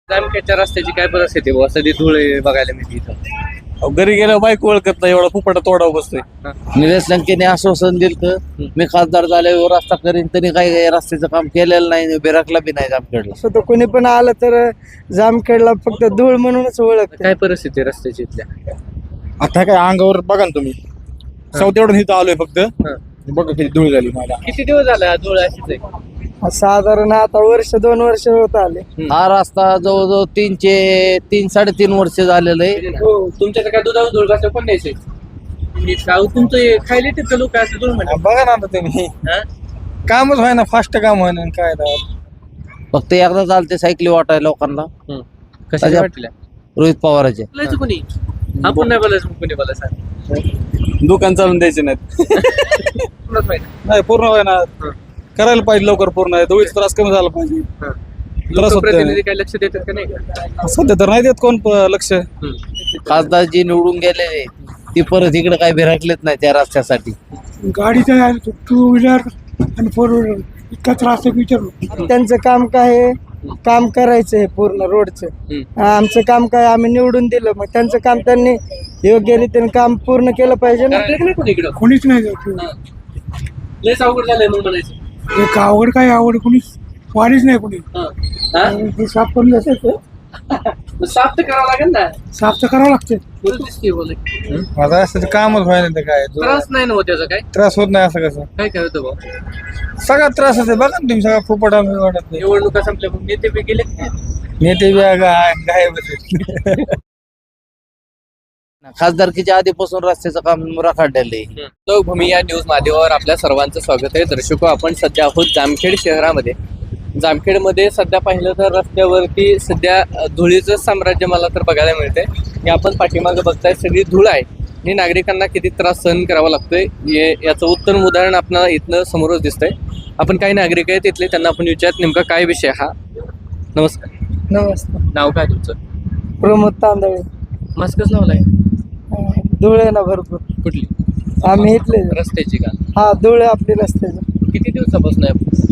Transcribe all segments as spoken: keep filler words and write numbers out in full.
जामखेडच्या रस्त्याची काय परिस्थिती आहे? सध्या धुळे बघायला मिळते इथं. अहो, घरी गेल्यावर बाईक ओळखत नाही, एवढा फुपाटा तोडाव बसतोय. निलेश लंकेने आश्वासन दिलं तर मी खासदार झाल्यावर रस्ता करीन, तरी काही रस्त्याचं काम केलेलं नाही, बिराकला बी नाही जामखेडला. असं कोणी पण आलं तर जामखेडला फक्त धूळ म्हणूनच ओळखते. काय परिस्थिती आहे रस्त्याची इथल्या? आता काय अंगावर बघा ना तुम्ही, चौथ्यावरून इथं आलोय फक्त. बघा किती धूळ झाली मला. किती दिवस झाला धुळे अशीच आहे? साधारण आता वर्ष दोन वर्ष होत आले. हा रस्ता जवळजवळ तीनशे तीन साडेतीन वर्ष झालेलं आहे. हो, तुमच्याकडे काय दुधावर धुळ कसं पण द्यायचे? तुमचं हे खायला तिथं लोक असं धुळ म्हणतात. बघा ना आता तुम्ही, हा? कामच व्हाय ना, फास्ट काम व्हाय ना, काय राव. फक्त एकदा चालते सायकली वाटाय लोकांना. हम्म. कशा त्याच्या- वाटल्या? रोहित पवाराचे बोलायचं कोणी? आपण नाही बोलायचं, कोणी बोलायचं? दुकान चालून द्यायचे नाहीत. तुलाच माहिती. नाही पूर्ण व्हाय ना, करायला पाहिजे लवकर पूर्ण. धुळीचा त्रास कमी झाला पाहिजे. हा. त्रास होतोय. लोकप्रतिनिधी काय लक्ष देतात का नाही का? सध्या तर नाही देत कोण प- लक्ष. हम्म. खासदार जी निवडून गेलेले ती परत इकडे काही बिराकलेत नाही त्या रस्त्यासाठी. गाडीचा टू व्हीलर आणि फोर व्हीलर इतका त्रास आहे विचारू. त्यांचं काम काय आहे? काम करायचं आहे पूर्ण रोडचं. हम्म. आमचं काम काय, आम्ही निवडून दिलं, मग त्यांचं काम त्यांनी योग्य रीतीने काम पूर्ण केलं पाहिजे ना. करायला का नाही कोणी इकडं? कोणीच नाही जात. हा. लयच अवघड झालंय मग म्हणायचं. एक आवड काय आवड कोणीच वाढीच नाही कोणी. हा. हा? ते साफ करून जायचं, मग साफ तर करावं लागेल ना. साफ तर करावं लागते. बोलतेस की बोल. माझा असं तर कामच व्हायला तर काय त्रास नाही ना होत त्याचा काय? त्रास होत नाही. असं कसं काय काय होतं भाऊ? सगळा त्रास होते. बघा ना तुम्ही, सगळा फुपाटा वाटत नाही. निवडणुका संपल्या मग नेते बी गेले की नाही? नेते बी गायब होते. खासदारकीच्या आधीपासून रस्त्याचं काम रखडलेलं आहे. लोकभूमी या न्यूज माध्यमावर आपल्या सर्वांचं स्वागत आहे. दर्शको, आपण सध्या आहोत जामखेड शहरामध्ये. जामखेडमध्ये सध्या पाहिलं तर रस्त्यावरती सध्या धुळीचं साम्राज्य मला तर बघायला मिळतंय. हे आपण पाठीमागं बघताय, सगळी धूळ आहे आणि नागरिकांना किती त्रास सहन करावा लागतोय हे याचं उत्तम उदाहरण आपल्याला इथनं समोरच दिसतंय. आपण काही नागरिक आहेत तिथले, त्यांना आपण विचारत नेमका काय विषय हा. नमस्कार. नमस्कार. नाव काय तुमचं? प्रमोद तांदळे. मास्कच लावलाय. धूळ आहे ना भरपूर. कुठली? आम्ही इथले. रस्त्याची का? हा, धूळ आहे आपली रस्त्याचं. किती दिवसापासून आहे?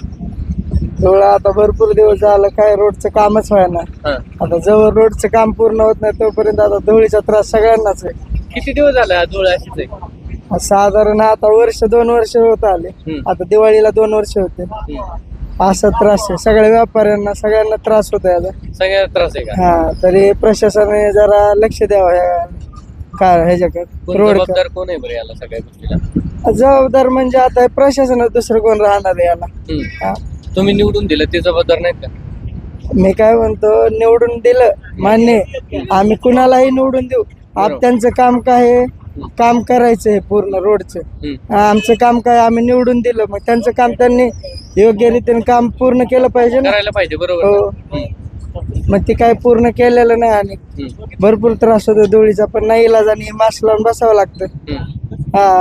धूळ आता भरपूर दिवस झालं, काय रोडचं कामच व्हायना. हा. आता जवळ रोडचं काम पूर्ण होत नाही तोपर्यंत आता धुळीचा त्रास सगळ्यांनाच आहे. किती दिवस झाला धूळ अशीच आहे? साधारण आता वर्ष दोन वर्ष होत आले. हम्म. आता दिवाळीला दोन वर्ष होते. हम्म. असा त्रास आहे सगळ्या व्यापाऱ्यांना, सगळ्यांना त्रास होत आहे आता. सगळ्यात त्रास आहे का? हा, तरी प्रशासनाने जरा लक्ष द्यावं ह्या काय ह्याच्याकडे कोण रोड. जबाबदार कोण आहे बरं याला सगळ्या गोष्टीला? जबाबदार म्हणजे आता प्रशासनात दुसरं कोण राहणार आहे याला. हम्म. हा. तुम्ही निवडून दिलं ते जबाबदार नाहीत का? मी काय म्हणतो, निवडून दिलं मान्य आहे. आम्ही कुणालाही निवडून देऊ. आप त्यांचं काम काय आहे? काम करायचं आहे पूर्ण रोडचं. हम्म. आमचं काम काय, आम्ही निवडून दिलं, मग त्यांचं काम त्यांनी योग्य रीतीने काम पूर्ण केलं पाहिजे ना. करायला पाहिजे बरोबर हो. ना? हम्म. मग ते काय पूर्ण केलेलं नाही आणि हम्म. भरपूर त्रास होतो धुळीचा, पण नाही इलाजाने मास्क लावून बसावं लागतं. हम्म. हा.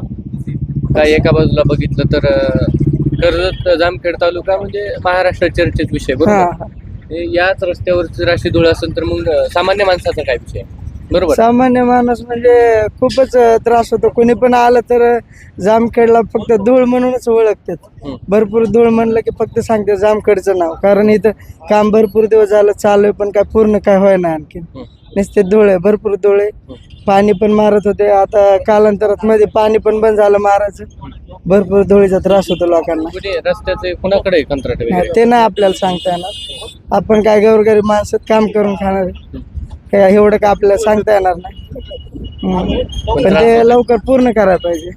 काय एका बाजूला बघितलं तर अं, कर्जत जामखेड तालुका म्हणजे महाराष्ट्र चर्चेत विषय हा. बरोबर. हे याच रस्त्यावरची राशी धूळ असेल तर मग अं, सामान्य माणसाचा काय विषय बरोबर. सामान्य माणूस म्हणजे खूपच त्रास होतो. कोणी पण आलं तर जामखेडला फक्त धूळ म्हणूनच ओळखतात. हम्म. भरपूर धूळ म्हणलं की फक्त सांगते जामखेडचं नाव, कारण इथं काम भरपूर दिवस झालं चालू आहे, पण काय पूर्ण काय होय ना आणखी. हम्म. नुसते धूळ आहे, भरपूर धूळ आहे. पाणी पण मारत होते, आता कालांतरात मध्ये पाणी पण बंद झालं मारायचं. भरपूर धुळीचा त्रास होतो लोकांना. कुठे रस्त्याचे कुणाकडे कंत्राट वगैरे? ते नाही आपल्याला सांगता येणार. आपण काय गौरगरीब माणसात काम करून खाणार आहे. काय एवढं का आपल्याला सांगता येणार नाही. हम्म. पण ते लवकर पूर्ण करायला पाहिजे.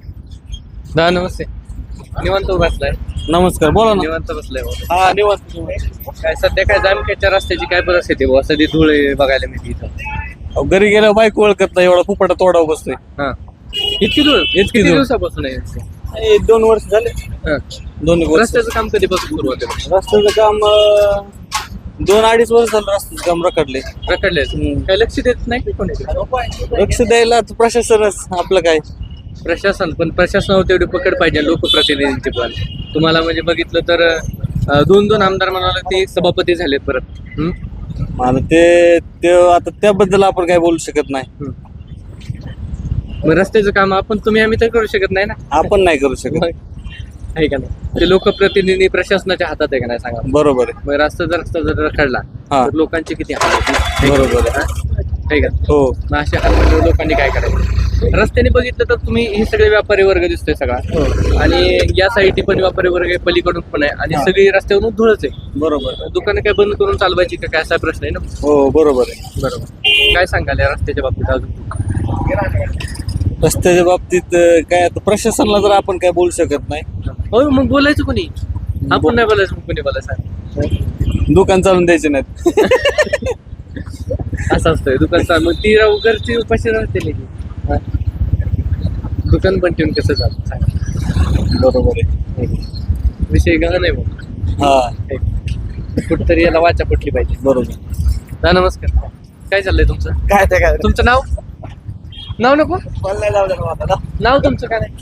दा नमस्ते. निवांत बसलाय? नमस्कार, बोला ना. निवांत बसलाय भाऊ. हा, निवांत. काय सध्या काय जामखेडच्या रस्त्याची काय परिस्थिती आहे? सध्या धूळ आहे बघायला मिळते इथं. अहो, घरी गेल्यावर बाईक ओळखत नाही, एवढा फुपाटा तोडाव बसतोय. हा. इतकी धूळ इतकी किती धूळ. दिवसापासून आहे? हे दोन वर्ष झाले. हा. दोन वर्ष. रस्त्याचं काम कधीपासून सुरू होते? रस्त्याचं काम अं, दोन अडीच वर्ष झालं रस्त्याचं काम रखडले. रखडले. हम्म. काय लक्ष देत नाही की कोणी? लक्ष द्यायला आता प्रशासनच आपलं काय. प्रशासन पण प्रशासनावर तेवढी पकड पाहिजे लोकप्रतिनिधींची पण. तुम्हाला म्हणजे बघितलं तर अं, दोन दोन आमदार म्हणाला ते सभापती झालेत परत. हम्म? आणि ते ते आता त्याबद्दल आपण काय बोलू शकत नाही. हम्म. मग रस्त्याचं काम आपण तुम्ही आम्ही तर करू शकत नाही ना. आपण नाही करू शकत. आहे का नाही? ते लोकप्रतिनिधी प्रशासनाच्या हातात आहे का नाही सांगा. बरोबर आहे. मग रस्ता जर रस्ता जर रखडला हा. तर लोकांची किती हाल होतील? बरोबर आहे. हा? आहे का? हो मग अशा हालमध्ये लोकांनी काय करायचं? रस्त्याने बघितलं तर तुम्ही हे सगळे व्यापारी वर्ग दिसतोय सगळा आणि या साईडनी पण व्यापारी वर्ग आहे, पलीकडून पण आहे आणि हा. सगळी रस्त्यावरून धुळच आहे. बरोबर. दुकानं काय बंद करून चालवायची का काय असा प्रश्न आहे ना. हो बरोबर आहे. बरोबर. काय सांगाल या रस्त्याच्या बाबतीत अजून? रस्त्याच्या बाबतीत अं, काय आता प्रशासनाला तर आपण काय बोलू शकत नाही. हो मग बोलायचं कोणी? आपण नाही बोलायचं मग कोणी बोलायचं? दुकान चालून द्यायचे नाहीत. असं असतंय दुकान चालू मग ती राहू घरची उपाशी राहते नाही की. हा. दुकान पण ठेवून कसं चालतं सांगा. बरोबर आहे. विषय गहन आहे मग. हा कुठतरी याला वाचा पटली पाहिजे. बरोबर. हा नमस्कार. काय चाललंय तुमचं? काय ते काय तुमचं नाव? नाव नको नाव तुमचं काय नाही?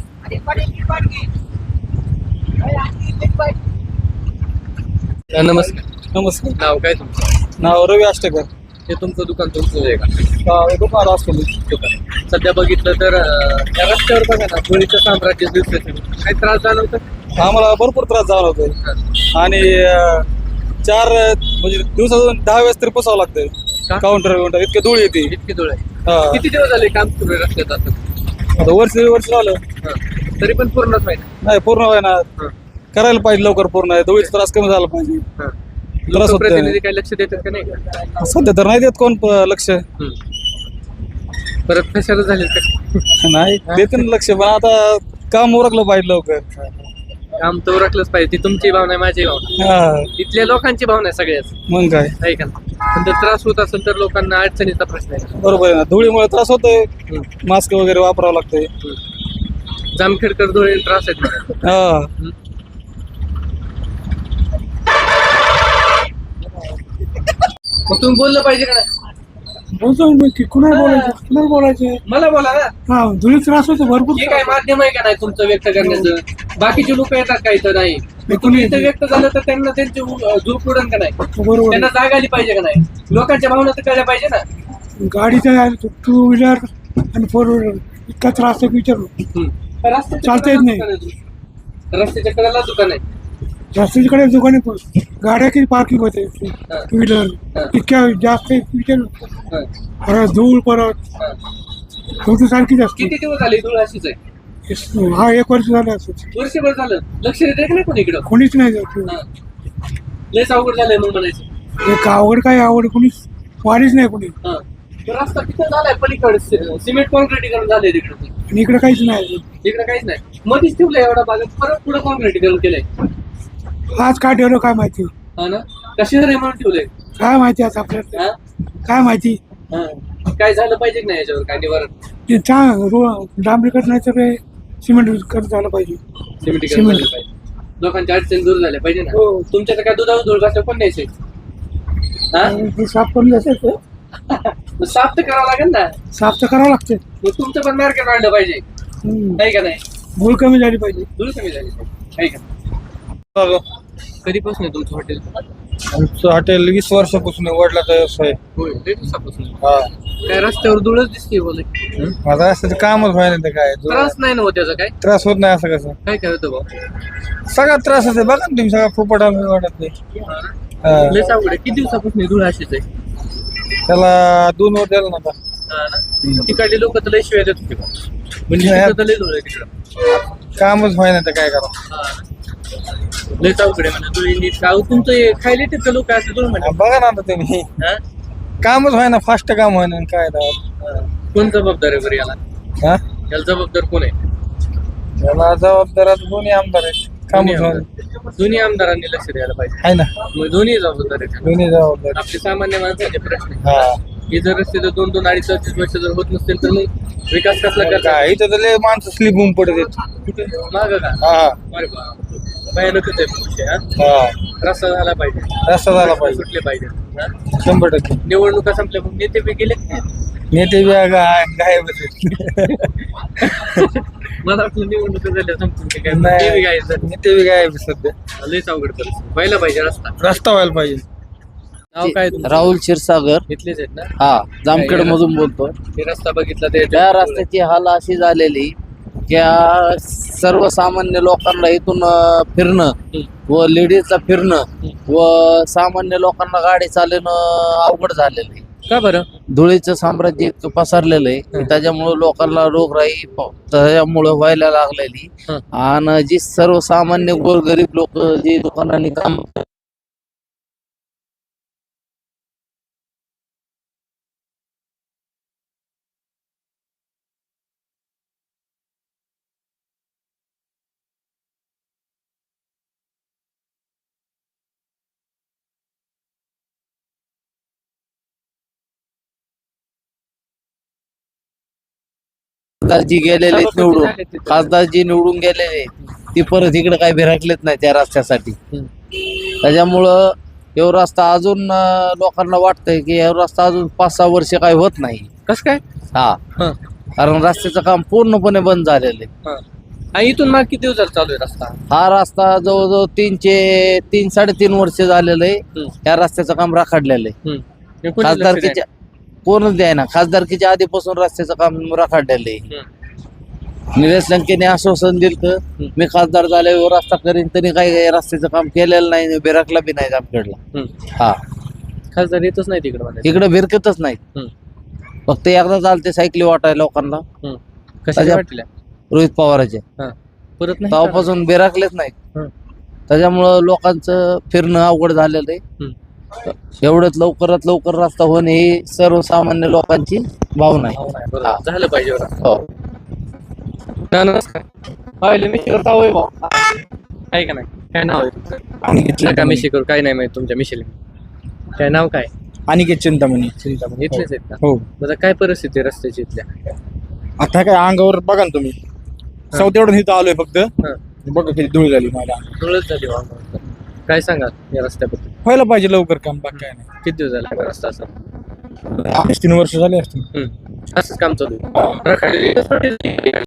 हा, नमस्कार. नमस्कार. नाव काय तुमचं? नाव रवी अष्टकर. हे तुमचं दुकान तुमचं आहे का? दुकान असतो दुकान. सध्या बघितलं तर अं, या रस्त्यावर बघा ना धुळीचं साम्राज्य दिसतंय. काही त्रास जाणवतं? आम्हाला भरपूर त्रास जाणवतोय आणि अं, चार म्हणजे दिवसातून दहा वेळेस तरी पुसावं लागतंय. का? काउंटर काउंटर इतके धूळ येते. इतकी धूळ आहे. हा. किती दिवस झाले काम सुरू आहे रस्त्यात असं? आता वर्ष दीड वर्ष झालं. हा. तरी पण पूर्णच माहिती. नाही पूर्ण व्हायना करायला पाहिजे लवकर पूर्ण. धुळीचा त्रास कमी झाला पाहिजे. त्रास होतोय. प्रतिनिधी काही लक्ष देतात का नाही? सध्या तर नाही देत कोण प- लक्ष. हम्म. परत कशाला झाले का? नाही देते ना लक्ष पण आता काम उरकलं पाहिजे लवकर. काम तर उरकलंच पाहिजे. ती तुमची भावना आहे माझी भावना आहे. हा इथल्या लोकांची भावना आहे सगळ्याच. मग काय आहे का नाही? पण जर त्रास होत असेल तर लोकांना अडचणीचा प्रश्न आहे. बरोबर आहे ना. धुळीमुळे त्रास होतोय. हम्म. मास्क वगैरे वापरावं लागतंय. जामखेडकर धुळे त्रास आहेत मला. हा मग तुम्ही बोललं पाहिजे का नाही? बोलतो मी की कुणाला बोलायचं कुणाला बोलायचं मला बोला ना. हा धुळी त्रास होतो भरपूर हे काय माध्यम आहे का नाही तुमचं व्यक्त करण्याचं? बाकीचे लोक येतात का इथं नाही? मग कोणी तुम्ही इथं व्यक्त झालं तर त्यांना त्यांची झूप उडन का नाही? बरोबर त्यांना जाग आली पाहिजे का नाही? लोकांच्या भावना तर कळल्या पाहिजे ना. गाडीचा टू व्हीलर आणि फोर व्हीलर इतका त्रास आहे विचारू. हम्म. रस्त्याच्या चालता येत नाही. कडेला दुकान आहे. रस्त्याच्या कडेला दुकान आहे. जास्तीकडे दुकाने पण गाड्या किती पार्किंग होते टू हा. व्हीलर इतक्या जास्त विचारू. हा. परत धूळ परत हा. धूळ सारखी जास्त किती दिवस झाले धूळ अशीच आहे? हा एक वर्ष झालं असं वर्षभर झालं लक्ष देते का नाही कोणी इकडं? कोणीच नाही जात. हा. लयच अवघड झालंय मग म्हणायचं. एक आवड काय आवड कोणीच वाढीच नाही कोणी हा. तो रस्ता तिथं झालाय पलीकडे सि- सिमेंट कॉन्क्रिटीकरण झालंय तिकडे. आणि इकडे काहीच नाही अजून. इकडे काहीच नाही. मध्येच ठेवलंय एवढा भागात परत पुढे कॉन्क्रिटीकरण केलंय. आज काय ठेवलं काय माहिती हा ना. कशी जरी म्हणून ठेवलंय. काय माहिती आता आपल्याला हा? काय माहिती. हा. काय झालं पाहिजे की नाही याच्यावर काय निवारण? ते चा डांबरीकरण नाही तर सिमेंट करत झालं पाहिजे. सिमेंटीकरण सिमेंट. झालं पाहिजे. लोकांच्या अडचणी दूर झाल्या पाहिजे ना. हो. तुमच्या तर काय दुधावर धूळ घासलं पण नाही साहेब. हा? ते साफ करून जायचं मग साफ तर करावं लागेल ना. साफ तर करावं लागते. मग तुमचं पण मार्केट वाढलं पाहिजे. नाही का नाही? भूल कमी झाली पाहिजे. धूळ कमी झाली पाहिजे. आहे का? कधीपासून आहे तुमचं हॉटेल? आमचं हॉटेल वीस वर्षापासून वडिलाचा व्यवसाय. होय लय दिवसापासून. हा काय रस्त्यावर धूळच दिसते बोले. माझा असं कामच व्हायला नाही काय त्रास नाही ना हो त्याचा काय? त्रास होत नाही असं कसं. काय काय होतं भाऊ? सगळा त्रास आहे बघा ना तुम्ही सगळा फुपट वाटत नाही. हा. लयच अवघड आहे. किती दिवसापासून ही धूळ अशीच आहे? त्याला दोन वर द्यायला नका. हा ना. तिकडली लोक तर लय शिवाय देत होते बा. म्हणजे तिथं तर लय धूळ आहे तिकडं. कामच व्हायला तर काय करा. हा. लयच अवघड आहे म्हणा धुळी नीट. गाव तुमचं हे खायला तिथं लोक असं धूळ म्हणा. बघा ना आता तुम्ही हा? कामच व्हायना फास्ट काम व्हायना काय राव. हा. कोण जबाबदार आहे बरं याला? हा याला जबाबदार कोण आहे? त्याला जबाबदार आता दोन्ही आमदार आहेत. दोन्ही कामच व्हायना आमदार. दोन्ही आमदारांनी लक्ष द्यायला पाहिजे. आहे ना. मग दोन्ही जबाबदार आहेत. दोन्ही जबाबदार. आपले सामान्य माणसाचे प्रश्न आहे. हा हे जर रस्ते जर दोन दोन अडीच अडीच वर्ष जर होत नसतील तर मग विकास कसला करता? काय इथं तर लय माणसं स्लीप होऊन पडत आहेत. माग का? हा अरे बाप. भयानकच आहे विषय. हा? हा रस्ता झाला पाहिजे. रस्ता झाला पाहिजे सुटले पाहिजे. हा? शंभर टक्के. निवडणुका संपल्या मग नेते बी गेले. नेते बी गायब आहेत. मला वाटलं निवडणुका झाल्या संपून ते काय नाही. ते बी काय झालं. नेते बी गायब आहेत सध्या. लयच अवघड परिस्थिती. व्हायला पाहिजे रस्ता. रस्ता व्हायला पाहिजे. नाव काय तुमचं? राहुल क्षीरसागर. इथलेच आहेत ना? हा जामखेड मधून बोलतो. हे रस्ता बघितला ते त्या रस्त्याची हाल अशी झालेली त्या सर्वसामान्य लोकांना इथून अं, फिरणं व लेडीजला फिरणं व सामान्य लोकांना गाडी चालवणं अवघड झालेलं आहे. का बरं? धुळीचं साम्राज्य इतकं पसरलेलं आहे की त्याच्यामुळे लोकांना रोगराई प- त्याच्यामुळे व्हायला लागलेली. हं. आणि जी सर्वसामान्य गोरगरीब लोक जी दुकानांनी काम खासदारजी गेलेले आहेत निवडून खासदारजी निवडून गेलेले ती परत इकडे काही भिरकलेच नाही त्या रस्त्यासाठी. हं. त्याच्यामुळं हे रस्ता अजून अं, लोकांना वाटतंय की हे रस्ता अजून पाच सहा वर्ष काही होत नाही. कस काय? हा हं. कारण रस्त्याचं काम पूर्णपणे बंद झालेलं आहे. हं. आणि इथून मग किती दिवस झाले चालू आहे रस्ता? हा रस्ता जवळजवळ तीनशे तीन साडेतीन वर्ष झालेलं आहे. हं. या रस्त्याचं काम राखाडलेलं आहे. हं. हे कोणी लक्ष खासदारकीच्या कोणच द्याय ना खासदारकीच्या आधीपासून रस्त्याचं काम राखाडलेलं आहे. द्यायना? निलेश लंकेने आश्वासन दिलं तर हं. मी खासदार झाल्यावर रस्ता करीन तरी काही रस्त्याचं काम केलेलं नाही बिराकला बी नाही जामखेडला. हं. हा खासदार येतच नाही तिकडे मला. इकडे भिरकतच नाही. हं. फक्त एकदा चालते सायकली वाटायला लोकांना हं. कशा त्याच्या- वाटल्या? रोहित पवाराचे हं. परत नाही तेव्हापासून बिराकलेच नाही. हं. त्याच्यामुळं लोकांचं फिरणं अवघड झालेलं आहे. हं. एवढ्यात लवकरात लवकर रस्ता होणे ही सर्वसामान्य लोकांची भावना आहे. हो नाही, बरोबर. झालं पाहिजे बरं. हो. हा, नमस्कार. पाहिलं मी करता होय भाऊ. आहे का नाही? काय नाव आहे तुमचं? नका मिशी करू, काय नाही माहिती तुमच्या मिशीला. काय नाव काय? अनिकेत चिंतामणी. चिंतामणी इथलेच आहेत का? हो. बरं, काय परिस्थिती आहे रस्त्याची इथल्या? आता काय अंगावर बघा ना तुम्ही चौथ्यावरून इथं आलोय फक्त. हं. बघा किती धूळ झाली मला. धुळच झाली वाहनावर. काय सांगाल या रस्त्याबद्दल? व्हायला पाहिजे लवकर काम बाकी काय नाही. किती दिवस झाले हा रस्ता असा? अडीच तीन वर्ष झाले असतील. हं. असंच काम चालू आहे.